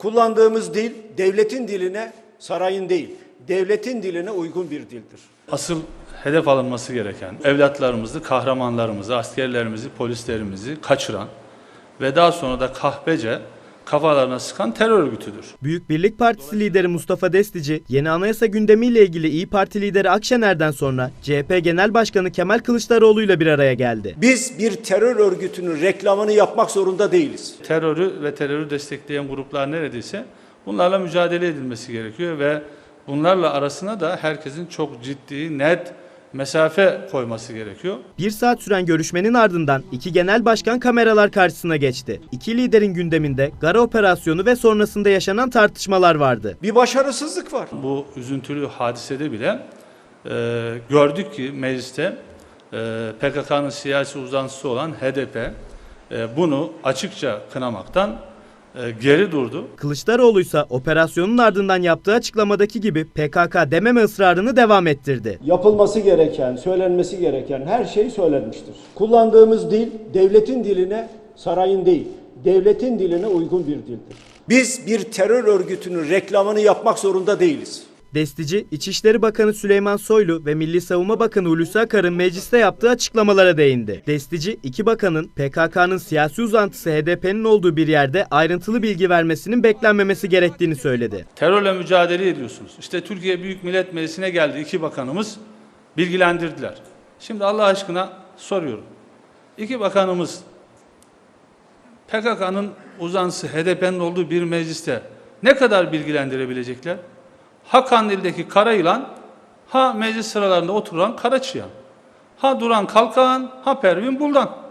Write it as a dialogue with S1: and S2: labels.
S1: Kullandığımız dil devletin diline, sarayın değil, devletin diline uygun bir dildir.
S2: Asıl hedef alınması gereken evlatlarımızı, kahramanlarımızı, askerlerimizi, polislerimizi kaçıran ve daha sonra da kahpece kafalarına sıkan terör örgütüdür.
S3: Büyük Birlik Partisi lideri Mustafa Destici, yeni anayasa gündemiyle ilgili İYİ Parti lideri Akşener'den sonra CHP Genel Başkanı Kemal Kılıçdaroğlu ile bir araya geldi.
S1: Biz bir terör örgütünün reklamını yapmak zorunda değiliz.
S2: Terörü ve terörü destekleyen gruplar neredeyse bunlarla mücadele edilmesi gerekiyor ve bunlarla arasına da herkesin çok ciddi, net mesafe koyması gerekiyor.
S3: 1 saat süren görüşmenin ardından iki genel başkan kameralar karşısına geçti. İki liderin gündeminde Gara operasyonu ve sonrasında yaşanan tartışmalar vardı.
S1: Bir başarısızlık var.
S2: Bu üzüntülü hadisede bile gördük ki mecliste PKK'nın siyasi uzantısı olan HDP bunu açıkça kınamaktan geri durdu.
S3: Kılıçdaroğlu ise operasyonun ardından yaptığı açıklamadaki gibi PKK dememe ısrarını devam ettirdi.
S1: Yapılması gereken, söylenmesi gereken her şey söylenmiştir. Kullandığımız dil devletin diline, sarayın değil, devletin diline uygun bir dildir. Biz bir terör örgütünün reklamını yapmak zorunda değiliz.
S3: Destici, İçişleri Bakanı Süleyman Soylu ve Milli Savunma Bakanı Hulusi Akar'ın mecliste yaptığı açıklamalara değindi. Destici, iki bakanın PKK'nın siyasi uzantısı HDP'nin olduğu bir yerde ayrıntılı bilgi vermesinin beklenmemesi gerektiğini söyledi.
S2: Terörle mücadele ediyorsunuz. İşte Türkiye Büyük Millet Meclisi'ne geldi iki bakanımız bilgilendirdiler. Şimdi Allah aşkına soruyorum. İki bakanımız PKK'nın uzantısı HDP'nin olduğu bir mecliste ne kadar bilgilendirebilecekler? Ha Kandil'deki kara yılan, ha meclis sıralarında oturan kara çıyan, ha Duran Kalkan, ha Pervin Buldan.